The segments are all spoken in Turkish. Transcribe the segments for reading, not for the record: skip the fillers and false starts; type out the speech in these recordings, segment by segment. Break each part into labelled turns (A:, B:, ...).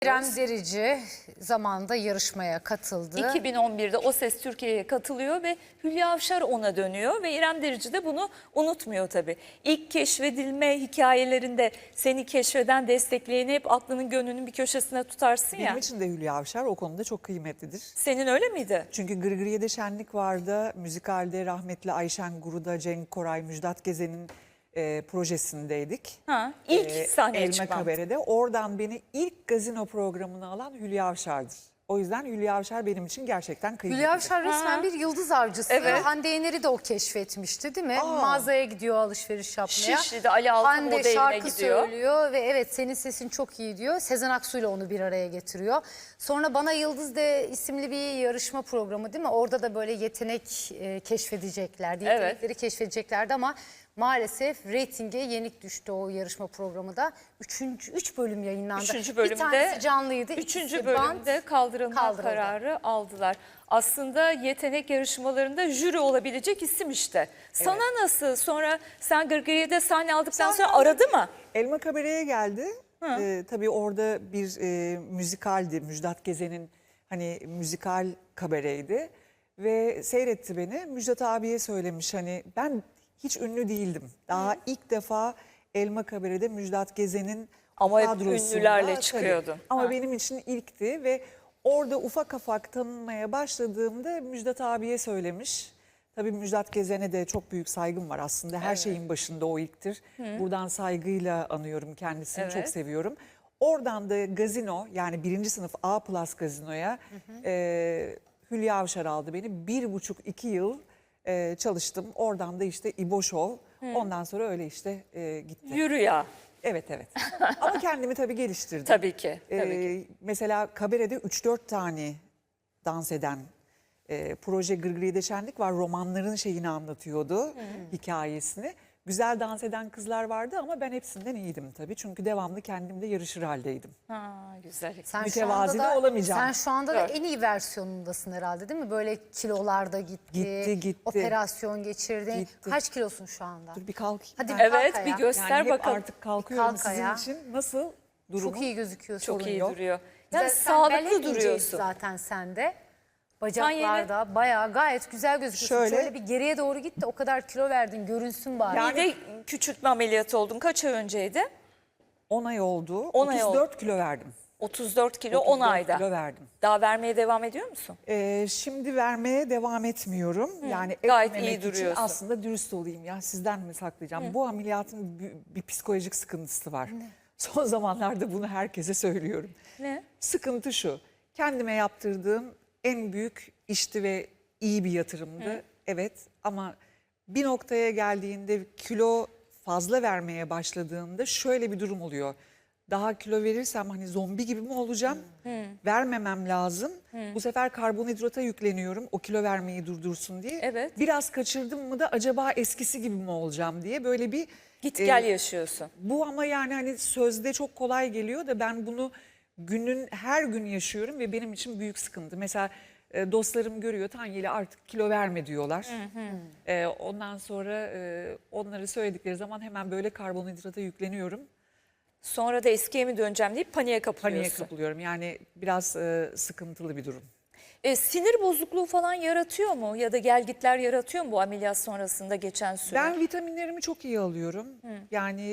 A: İrem Derici zamanında yarışmaya katıldı.
B: 2011'de O Ses Türkiye'ye katılıyor ve Hülya Avşar ona dönüyor ve İrem Derici de bunu unutmuyor tabii. İlk keşfedilme hikayelerinde seni keşfeden, destekleyeni hep aklının gönlünün bir köşesine tutarsın ya.
C: Benim için de Hülya Avşar o konuda çok kıymetlidir.
B: Senin öyle miydi?
C: Çünkü Gırgırye'de Şenlik vardı. Müzikalde rahmetli Ayşen Guru'da, Cenk Koray, Müjdat Gezen'in projesindeydik.
B: İlk sahneye
C: Elma
B: çıkmam.
C: Kabere'de. Oradan beni ilk gazino programına alan Hülya Avşar'dır. O yüzden Hülya Avşar benim için gerçekten kıymetlidir.
A: Hülya Avşar resmen bir yıldız avcısı.
B: Evet.
A: Hande Yener'i de o keşfetmişti değil mi? Mağazaya gidiyor alışveriş yapmaya.
B: Şişli'de Ali Altan
A: Hande
B: modeline
A: şarkı
B: gidiyor.
A: söylüyor ve evet senin sesin çok iyi diyor. Sezen Aksu'yla onu bir araya getiriyor. Sonra Bana Yıldız de isimli bir yarışma programı değil mi? Orada da böyle yetenek keşfedeceklerdi. Yetenekleri keşfedeceklerdi ama maalesef reytinge yenik düştü o yarışma programı da. Üç bölüm yayınlandı.
B: Üçüncü bölümde,
A: bir tanesi canlıydı.
B: Üçüncü
A: ikisi
B: bölümde kaldırılma
A: kaldırıldı.
B: kararı aldılar. Aslında yetenek yarışmalarında jüri olabilecek isim işte. Sana nasıl? Sonra sen Gırgırye'de sahne aldıktan sonra aradı mı?
C: Elma Kabere'ye geldi. Tabii orada bir müzikaldi. Müjdat Gezen'in hani müzikal kabareydi. Ve seyretti beni. Müjdat abiye söylemiş hani ben hiç ünlü değildim. Daha ilk defa Elma Kabere'de Müjdat Gezen'in
B: Ama hep
C: kadrosunda,
B: ünlülerle
C: tabii.
B: çıkıyordun.
C: Ama benim için ilkti ve orada ufak ufak tanınmaya başladığımda Müjdat abiye söylemiş. Tabii Müjdat Gezen'e de çok büyük saygım var aslında. Her şeyin başında o ilktir. Buradan saygıyla anıyorum kendisini, çok seviyorum. Oradan da gazino yani 1. sınıf A+ gazinoya Hülya Avşar aldı beni. 1,5-2 yıl çalıştım. Oradan da işte İbo Show. Ondan sonra öyle işte gitti.
B: Yürü ya.
C: Evet. Ama kendimi tabii geliştirdim.
B: Tabii ki. Tabii ki.
C: Mesela kabarede 3-4 tane dans eden proje Gırgırye'de Şenlik var. Romanların şeyini anlatıyordu, hikayesini. Güzel dans eden kızlar vardı ama ben hepsinden iyiydim tabii. Çünkü devamlı kendimle yarışır haldeydim.
B: Güzel.
A: Sen
C: Mütevazi
A: şu anda
C: de olamayacağım.
A: Sen şu anda da en iyi versiyonundasın herhalde değil mi? Böyle kilolarda gitti.
C: Gitti.
A: Operasyon geçirdin.
C: Gitti.
A: Kaç kilosun şu anda?
C: Dur bir kalkayım.
A: Hadi
C: ben.
A: bir
B: Evet,
A: kalk
B: bir
A: ayağa.
B: göster
C: Yani hep
B: bakalım.
C: artık kalkıyorum
A: kalk ayağa.
C: sizin için. Nasıl durumu?
A: Çok iyi gözüküyorsun.
B: Çok iyi
C: yok.
B: duruyor.
A: Güzel,
B: Yani
A: sen bel
B: sağlıklı
A: hep inceydi
B: duruyorsun.
A: zaten sende. Bacaklarda bayağı gayet güzel gözüküyorsun.
C: Şöyle.
A: Şöyle bir geriye doğru git de o kadar kilo verdin görünsün bari.
B: Bir de küçültme ameliyatı oldun. Kaç ay önceydi?
C: 10 ay oldu.
B: 10 ay
C: 34 kilo verdim.
B: 34 kilo 10
C: 34
B: ayda.
C: kilo verdim.
B: Daha vermeye devam ediyor musun?
C: Şimdi vermeye devam etmiyorum. Yani
B: gayet
C: etmemek
B: iyi
C: için
B: duruyorsun.
C: aslında dürüst olayım ya sizden mi saklayacağım? Bu ameliyatın bir psikolojik sıkıntısı var. Son zamanlarda bunu herkese söylüyorum.
B: Ne?
C: Sıkıntı şu. Kendime yaptırdığım en büyük işti ve iyi bir yatırımdı. Evet ama bir noktaya geldiğinde kilo fazla vermeye başladığında şöyle bir durum oluyor. Daha kilo verirsem hani zombi gibi mi olacağım? Vermemem lazım. Bu sefer karbonhidrata yükleniyorum o kilo vermeyi durdursun diye.
B: Evet.
C: Biraz kaçırdım mı da acaba eskisi gibi mi olacağım diye böyle bir...
B: Git gel yaşıyorsun.
C: Bu ama yani hani sözde çok kolay geliyor da ben bunu her gün yaşıyorum ve benim için büyük sıkıntı. Mesela dostlarım görüyor Tanyeli artık kilo verme diyorlar. Ondan sonra onları söyledikleri zaman hemen böyle karbonhidrata yükleniyorum.
B: Sonra da eskiye mi döneceğim deyip paniğe kapılıyorsun.
C: Paniğe kapılıyorum yani biraz sıkıntılı bir durum.
B: Sinir bozukluğu falan yaratıyor mu? Ya da gelgitler yaratıyor mu bu ameliyat sonrasında geçen süre?
C: Ben vitaminlerimi çok iyi alıyorum. Yani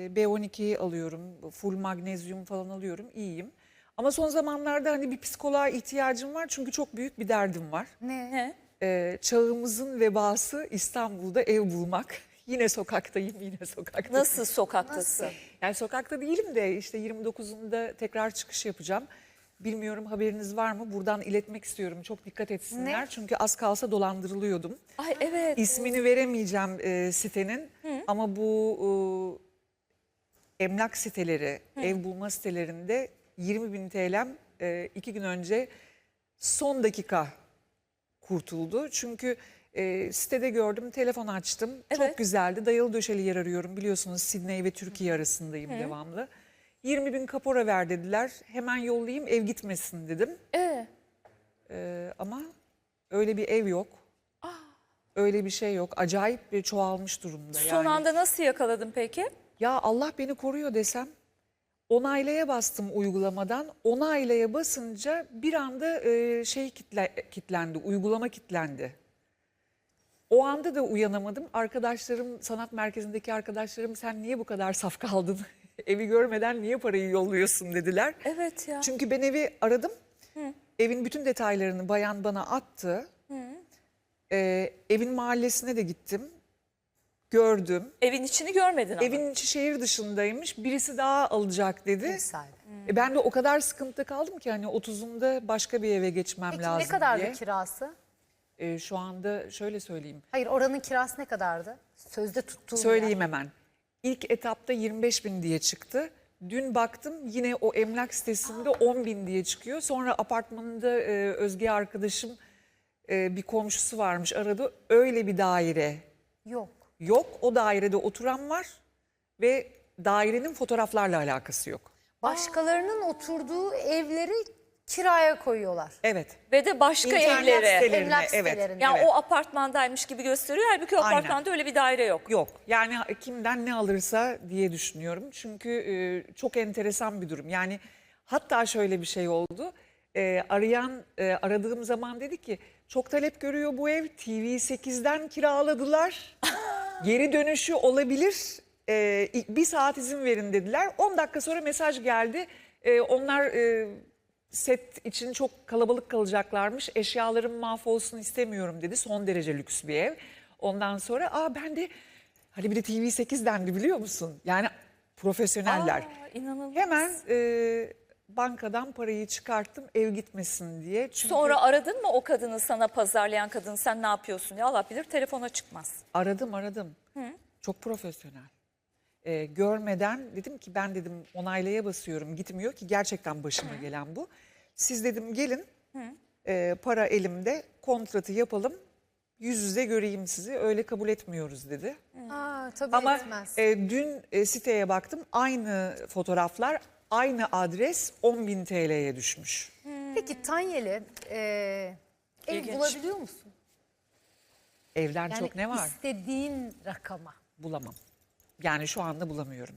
C: B12 alıyorum, full magnezyum falan alıyorum, iyiyim. Ama son zamanlarda hani bir psikoloğa ihtiyacım var çünkü çok büyük bir derdim var.
B: Ne?
C: Çağımızın vebası İstanbul'da ev bulmak. Yine sokaktayım, yine sokaktayım.
B: Nasıl sokaktasın?
C: Yani sokakta değilim de işte 29'unda tekrar çıkış yapacağım. Bilmiyorum haberiniz var mı? Buradan iletmek istiyorum. Çok dikkat etsinler.
A: Ne?
C: Çünkü az kalsa dolandırılıyordum.
B: Ay evet.
C: İsmini veremeyeceğim sitenin ama bu emlak siteleri, ev bulma sitelerinde 20.000 TL'm 2 gün önce son dakika kurtuldu. Çünkü sitede gördüm, telefon açtım.
B: Evet.
C: Çok güzeldi. Dayalı döşeli yer arıyorum. Biliyorsunuz Sidney ve Türkiye arasındayım devamlı. 20.000 kapora ver dediler. Hemen yollayayım ev gitmesin dedim. Ama öyle bir ev yok. Öyle bir şey yok. Acayip bir çoğalmış durumda.
B: Son anda nasıl yakaladın peki?
C: Ya Allah beni koruyor desem Onaylaya bastım uygulamadan. Onaylaya basınca bir anda kilitlendi, uygulama kilitlendi. O anda da uyanamadım. Arkadaşlarım, sanat merkezindeki arkadaşlarım, sen niye bu kadar saf kaldın? Evi görmeden niye parayı yolluyorsun dediler.
B: Evet ya.
C: Çünkü ben evi aradım. Evin bütün detaylarını bayan bana attı. Evin mahallesine de gittim. Gördüm.
B: Evin içini görmedin ama.
C: Evin içi şehir dışındaymış. Birisi daha alacak dedi.
A: Ev sahibi.
C: Ben de o kadar sıkıntıda kaldım ki hani 30'unda başka bir eve geçmem
A: Peki
C: lazım
A: ne kadardı
C: diye.
A: kirası?
C: Şu anda şöyle söyleyeyim.
A: Hayır, oranın kirası ne kadardı? Sözde tuttuğum
C: Söyleyeyim hemen. İlk etapta 25.000 diye çıktı. Dün baktım yine o emlak sitesinde 10.000 diye çıkıyor. Sonra apartmanında Özge arkadaşım bir komşusu varmış, aradı. Öyle bir daire
A: Yok.
C: yok. O dairede oturan var ve dairenin fotoğraflarla alakası yok.
A: Başkalarının oturduğu evleri kiraya koyuyorlar.
C: Evet.
B: Ve de başka
C: İnternet
B: evlere.
C: sitelerine,
A: Emlak
C: evet.
A: sitelerine.
B: Yani
C: Evet.
B: o apartmandaymış gibi gösteriyor. Halbuki o
C: Aynen.
B: apartmanda öyle bir daire yok.
C: Yok. Yani kimden ne alırsa diye düşünüyorum. Çünkü çok enteresan bir durum. Yani hatta şöyle bir şey oldu. Aradığım zaman dedi ki çok talep görüyor bu ev. TV8'den kiraladılar. Geri dönüşü olabilir. Bir saat izin verin dediler. 10 dakika sonra mesaj geldi. Onlar set için çok kalabalık kalacaklarmış. Eşyalarım mahvolsun istemiyorum dedi. Son derece lüks bir ev. Ondan sonra ben de hani bir de TV8 dendi biliyor musun? Yani profesyoneller.
B: İnanılmaz.
C: Hemen bankadan parayı çıkarttım ev gitmesin diye. Çünkü
B: Sonra aradın mı o kadını, sana pazarlayan kadını, sen ne yapıyorsun ya, Allah bilir telefona çıkmaz.
C: aradım. Çok profesyonel. Görmeden dedim ki ben dedim onaylaya basıyorum gitmiyor ki gerçekten başıma gelen bu. Siz dedim gelin para elimde kontratı yapalım yüz yüze göreyim sizi öyle kabul etmiyoruz dedi.
A: Tabii
C: Ama
A: etmez.
C: dün siteye baktım aynı fotoğraflar aynı adres 10.000 TL'ye düşmüş.
A: Peki Tanyeli ev
B: İlginç.
A: bulabiliyor musun?
C: Evden
A: Yani
C: çok ne var
A: istediğin rakama.
C: bulamam. Yani şu anda bulamıyorum.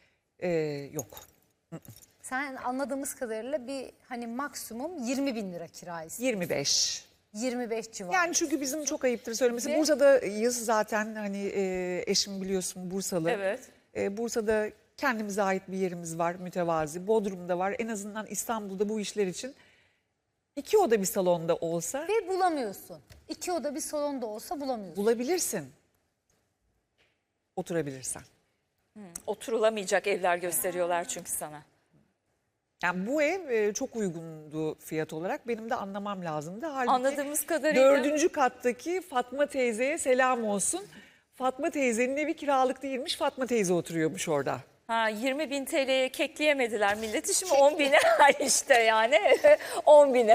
C: Yok.
A: Sen anladığımız kadarıyla bir hani maksimum 20.000 lira kira istiyorsun.
C: 25.
A: 25 civarı.
C: Yani çünkü bizim çok ayıptır söylemesi.
A: Ve-
C: Bursa'dayız zaten hani eşim biliyorsun Bursalı.
B: Evet.
C: Bursa'da kendimize ait bir yerimiz var mütevazi. Bodrum'da var en azından İstanbul'da bu işler için 2 oda bir salonda olsa
A: Ve bulamıyorsun. 2 oda bir salonda olsa bulamıyorsun.
C: bulabilirsin. Oturabilirsen.
B: Oturulamayacak evler gösteriyorlar çünkü sana.
C: Yani bu ev çok uygundu fiyat olarak. Benim de anlamam lazımdı. Halbuki
B: Anladığımız kadarıyla
C: 4. kattaki Fatma teyzeye selam olsun. Fatma teyzenin evi kiralık değilmiş. Fatma teyze oturuyormuş orada.
B: 20.000 TL'ye kekleyemediler milleti, şimdi 10.000'e işte yani 10.000'e.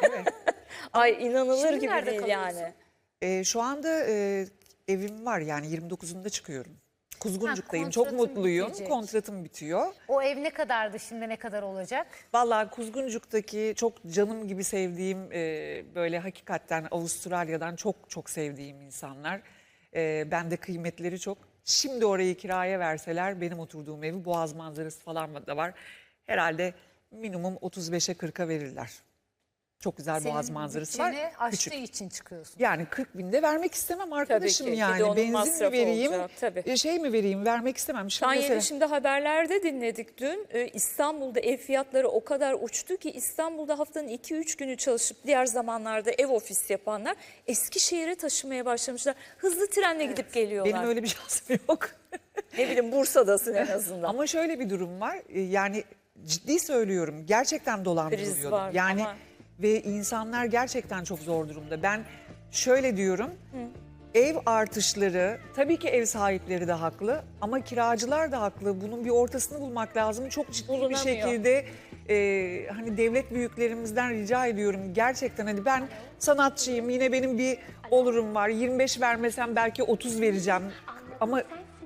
B: Ay inanılır
A: Şimdi
B: gibi
A: nerede
B: değil
A: kalıyorsun?
B: yani.
C: Şu anda evim var yani 29'unda çıkıyorum. Kuzguncuk'tayım. Çok
A: kontratın
C: mutluyum.
A: bitecek.
C: Kontratım bitiyor.
A: O ev ne kadardı, şimdi ne kadar olacak?
C: Vallahi Kuzguncuk'taki çok canım gibi sevdiğim böyle hakikaten Avustralya'dan çok çok sevdiğim insanlar. Ben de kıymetleri çok. Şimdi orayı kiraya verseler benim oturduğum evi Boğaz manzarası falan da var. Herhalde minimum 35'e 40'a verirler. Çok güzel Boğaz
A: Senin
C: manzarası var.
A: bütçeni aştığı
C: Küçük.
A: için çıkıyorsun.
C: Yani 40 binde vermek istemem arkadaşım
B: ki. Bir de
C: yani.
B: onun
C: Benzin mi
B: masrafı
C: vereyim,
B: olacak, tabii.
C: şey mi vereyim vermek istemem. Şimdi
B: Tanyeli,
C: mesela-
B: şimdi haberlerde dinledik dün. İstanbul'da ev fiyatları o kadar uçtu ki İstanbul'da haftanın 2-3 günü çalışıp diğer zamanlarda ev ofis yapanlar Eskişehir'e taşımaya başlamışlar. Hızlı trenle gidip geliyorlar.
C: Benim öyle bir şansım yok.
B: Ne bileyim, Bursa'dasın en azından.
C: Ama şöyle bir durum var. Yani ciddi söylüyorum. Gerçekten dolandırılıyor.
B: Kriz var
C: Yani
B: ama-
C: ve insanlar gerçekten çok zor durumda. Ben şöyle diyorum. Ev artışları, tabii ki ev sahipleri de haklı ama kiracılar da haklı. Bunun bir ortasını bulmak lazım. Çok ciddi bir
B: Bulunamıyor.
C: şekilde hani devlet büyüklerimizden rica ediyorum. Gerçekten hani ben sanatçıyım, yine benim bir olurum var. 25 vermesem belki 30 vereceğim. Ama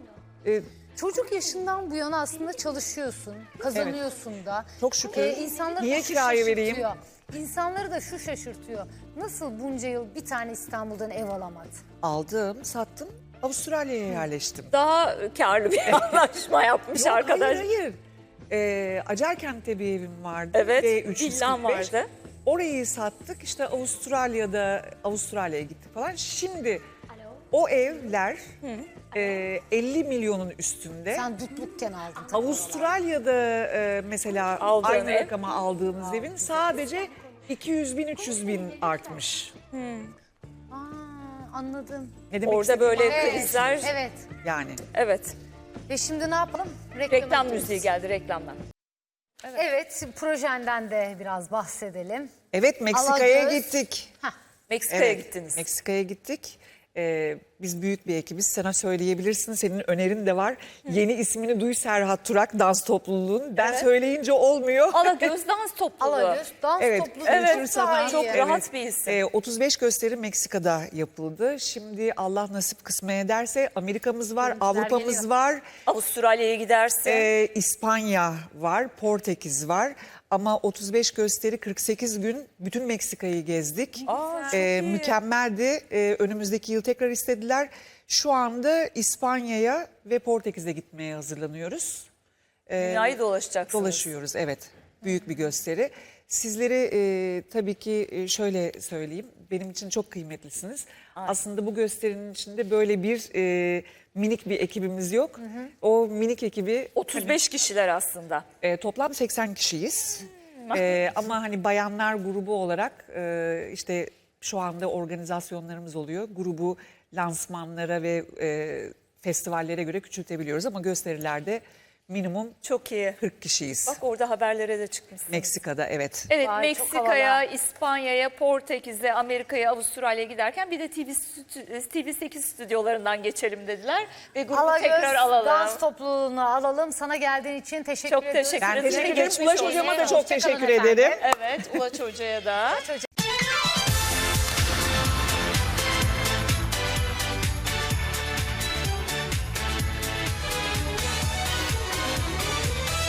A: Çocuk yaşından bu yana aslında çalışıyorsun, kazanıyorsun da.
C: Çok şükür.
A: İnsanları
C: Niye
A: da şu
C: kiraya vereyim?
A: şaşırtıyor. İnsanları da şu şaşırtıyor. Nasıl bunca yıl bir tane İstanbul'dan ev alamadı?
C: aldım, sattım, Avustralya'ya yerleştim.
B: Daha karlı bir anlaşma yapmış
C: Yok,
B: arkadaş.
C: Hayır. Acarkent'te bir evim vardı.
B: Evet,
C: V345.
B: villam vardı.
C: Orayı sattık. İşte Avustralya'ya gittik falan. Şimdi o evler 50 milyonun üstünde.
A: Sen dutlukken aldın. tabii.
C: Avustralya'da mesela
B: Aldığın
C: aynı
B: ev.
C: rakama aldığımız evin sadece 200 bin 300 bin artmış.
A: Aa, anladım.
C: Ne demek
B: Orada
C: istediğimi
B: böyle
A: Evet,
B: krizler.
A: evet.
C: yani.
B: Evet.
A: Ve şimdi ne yapalım?
B: Reklam
A: gidiyoruz.
B: müziği geldi, reklamdan.
A: Evet, projenden de biraz bahsedelim.
C: Evet, Meksika'ya
A: Alagöz.
C: gittik.
B: Meksika'ya
C: Evet,
B: gittiniz.
C: Meksika'ya gittik. Biz büyük bir ekibiz. Sana söyleyebilirsin. Senin önerin de var. Yeni ismini duy, Serhat Turak dans topluluğun. Ben söyleyince olmuyor.
B: Alagöz dans topluluğu.
A: Alagöz dans
C: Evet,
A: topluluğu.
C: evet,
A: çok
C: sana-
A: daha iyi.
B: çok
C: Evet.
B: rahat bir isim.
C: 35 gösteri Meksika'da yapıldı. Şimdi Allah nasip kısmet ederse Amerika'mız var,
A: Görüntüler
C: Avrupa'mız
A: geliyor.
C: var.
B: Avustralya'ya gidersin.
C: İspanya var, Portekiz var. Ama 35 gösteri 48 gün bütün Meksika'yı gezdik.
B: Aa, çok iyi.
C: Mükemmeldi. Önümüzdeki yıl tekrar istediler. Şu anda İspanya'ya ve Portekiz'e gitmeye hazırlanıyoruz.
B: Dünyayı dolaşacaksınız.
C: Dolaşıyoruz, evet. Büyük bir gösteri. Sizleri tabii ki şöyle söyleyeyim. Benim için çok kıymetlisiniz. Aslında bu gösterinin içinde böyle bir minik bir ekibimiz yok. O minik ekibi
B: 35 kişiler aslında.
C: toplam 80 kişiyiz. Ama hani bayanlar grubu olarak işte şu anda organizasyonlarımız oluyor. Grubu lansmanlara ve festivallere göre küçültebiliyoruz ama gösterilerde minimum
B: Çok iyi.
C: 40 kişiyiz.
B: Bak orada haberlere de çıkmışsın.
C: Meksika'da, evet.
B: Evet,
A: Vay, çok
B: Meksika'ya,
A: havalı.
B: İspanya'ya, Portekiz'e, Amerika'ya, Avustralya'ya giderken bir de TV8 stüdyolarından geçelim dediler. Ve grubu
A: Alagöz
B: tekrar alalım.
A: dans topluluğunu alalım. Sana geldiğin için teşekkür
B: Çok
A: ediyoruz.
B: teşekkür
C: Ben
B: ederim.
C: teşekkür ederim.
B: Geçmiş
C: Ulaş
B: olsun.
C: Hocama da çok
A: Hoşça kalın
C: teşekkür
A: efendim.
C: ederim.
B: Evet, Ulaş Hoca'ya da.